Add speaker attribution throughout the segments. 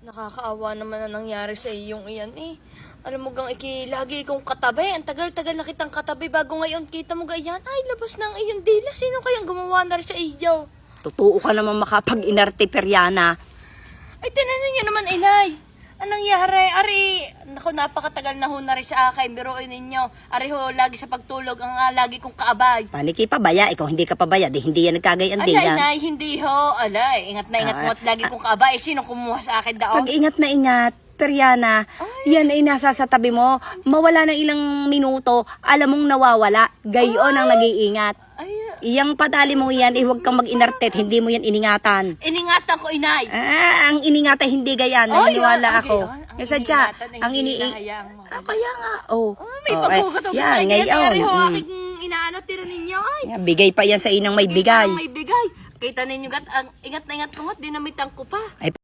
Speaker 1: Nakakaawa naman na nangyari sa iyong iyan eh. Alam mo gang lagi kong katabi. Ang tagal-tagal na kitang katabi bago ngayon kita mo ganyan. Ay, labas na ang iyong dila. Sino kayang gumawa na rin sa iyo?
Speaker 2: Totoo ka naman makapag-inarte, Periana.
Speaker 1: Ay, tinanin niyo naman, inay. Anong nangyari? Ari, naku, napakatagal na ho na rin sa akin. Biruin ninyo. Ari ho, lagi sa pagtulog ang lagi kong kaabay.
Speaker 2: Paniki pabaya, ikaw hindi ka pabaya, di hindi yan nagkagayan
Speaker 1: Alay,
Speaker 2: din yan.
Speaker 1: inay, hindi ho. Alay, ingat na ingat mo at lagi kong kaabay. Sino kumuha sa akin daon?
Speaker 2: Pag ingat na ingat, Periana, yan ay nasa sa tabi mo. Mawala ng ilang minuto, alam mong nawawala. Gayon ang nag-iingat.
Speaker 1: Ay,
Speaker 2: Iyang padali mo yan, huwag kang mag-inarte, hindi mo yan iningatan.
Speaker 1: iningatan ko, inay.
Speaker 2: Ang iningatan hindi gayan, naniniwala ako.
Speaker 1: Ang
Speaker 2: Sadya,
Speaker 1: iningatan ay
Speaker 2: ang
Speaker 1: hindi
Speaker 2: ini...
Speaker 1: hinahayaan mo.
Speaker 2: Kaya nga, oh.
Speaker 1: May
Speaker 2: Oh,
Speaker 1: pagkukutok
Speaker 2: yan,
Speaker 1: ay
Speaker 2: ngayon.
Speaker 1: Ari ho, aking inaano, tira ninyo. Ay,
Speaker 2: Yan, bigay pa yan sa inang may bigay.
Speaker 1: May bigay. Kita ninyo, ingat na ingat ko nga, dinamitan ko pa.
Speaker 2: Ay,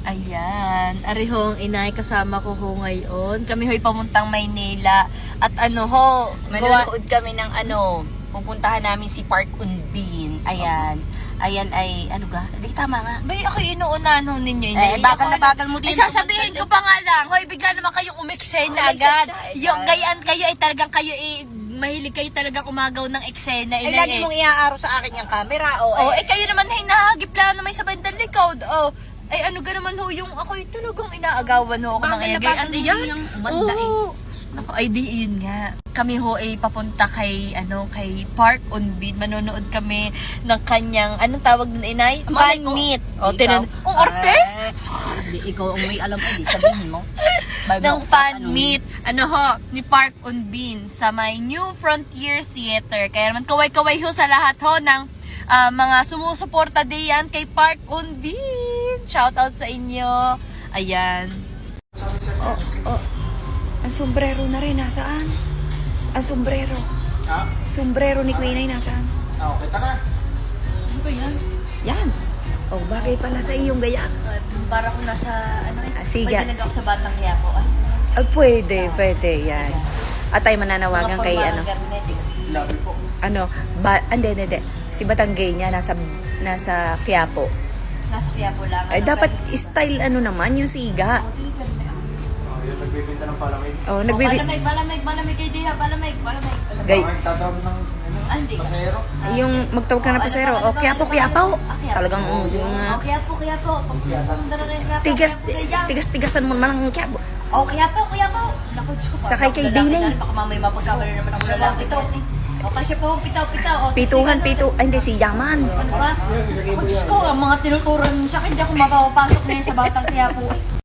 Speaker 1: Ayan, ari ho ang inay, kasama ko ho ngayon. Kami ho'y pamuntang Maynila. At ano ho,
Speaker 2: manonood kami ng pupuntahan namin si Park Unbin. Ayan. Ayan ay, ano ga? Di tama nga.
Speaker 1: Bay, ako inuunahan ho ninyo, inay.
Speaker 2: Bagal na bagal mo din.
Speaker 1: Ay, sasabihin ko pa nga lang, hoy, bigla naman kayong umeksena agad. Yung gayaan kayo, ay talagang kayo, mahilig kayo talagang umagaw ng eksena,
Speaker 2: Ay,
Speaker 1: inay.
Speaker 2: lagi mong iaaro sa akin yung camera.
Speaker 1: Oh, kayo naman, ay nahagip lang naman sa bandang likod. Oh, ay ano ga naman ho, yung ako'y talagang inaagawan ho ako ng iyagay.
Speaker 2: yung umanda eh.
Speaker 1: Naku, ay di yun nga. Kami ho ay papunta kay Park Unbin. Manonood kami ng kanyang, anong tawag nun, inay? Fan meet. O, ang arte?
Speaker 2: Ikaw ang may alam ko, di sabihin mo.
Speaker 1: Ng fan meet. Ano ho, ni Park Unbin sa may New Frontier Theater. Kaya naman kaway-kaway ho sa lahat ho ng mga sumusuporta diyan kay Park Unbin. Shout out sa inyo. Ayan.
Speaker 2: Ang sombrero na rin, nasaan? Ang sombrero.
Speaker 3: Ha?
Speaker 2: Sombrero ni Queen ay nasaan?
Speaker 3: Kita ka.
Speaker 1: Ano ba yan?
Speaker 2: Yan. Oh, bagay pala sa iyong gaya.
Speaker 1: Para kung nasa,
Speaker 2: Siga.
Speaker 1: pwede nag-ako sa Batang Quiapo.
Speaker 2: Pwede, yan. At ay mananawagan kay
Speaker 3: Labi po.
Speaker 2: hindi. Si Batanggay niya nasa Quiapo.
Speaker 1: Nasa Quiapo lang.
Speaker 2: Ay, dapat style naman, yung siga.
Speaker 3: Yung nagbibinta ng palamig.
Speaker 2: Oh,
Speaker 1: Malamig kayo din ha, malamig.
Speaker 2: Gay.
Speaker 3: Tatawag ng
Speaker 1: Hindi.
Speaker 3: pasahero.
Speaker 2: Yung magtawag ka na po sir, oh, Quiapo. Talagang,
Speaker 1: Quiapo. Pagpunta na rin Quiapo.
Speaker 2: tigasan mo naman ang Quiapo.
Speaker 1: Quiapo. Naku, Diyos ko.
Speaker 2: Sakay kay Dinay.
Speaker 1: Baka mamay mapagkamali naman ako lalaki to. Kasi po, pitaw.
Speaker 2: Pituhan. Ay, hindi, si Yaman.
Speaker 1: Ano ba? Ako, Diyos ko, ang mga tinuturan mo sa akin, hindi ako mapapasok na yan sa Batang Quiapo.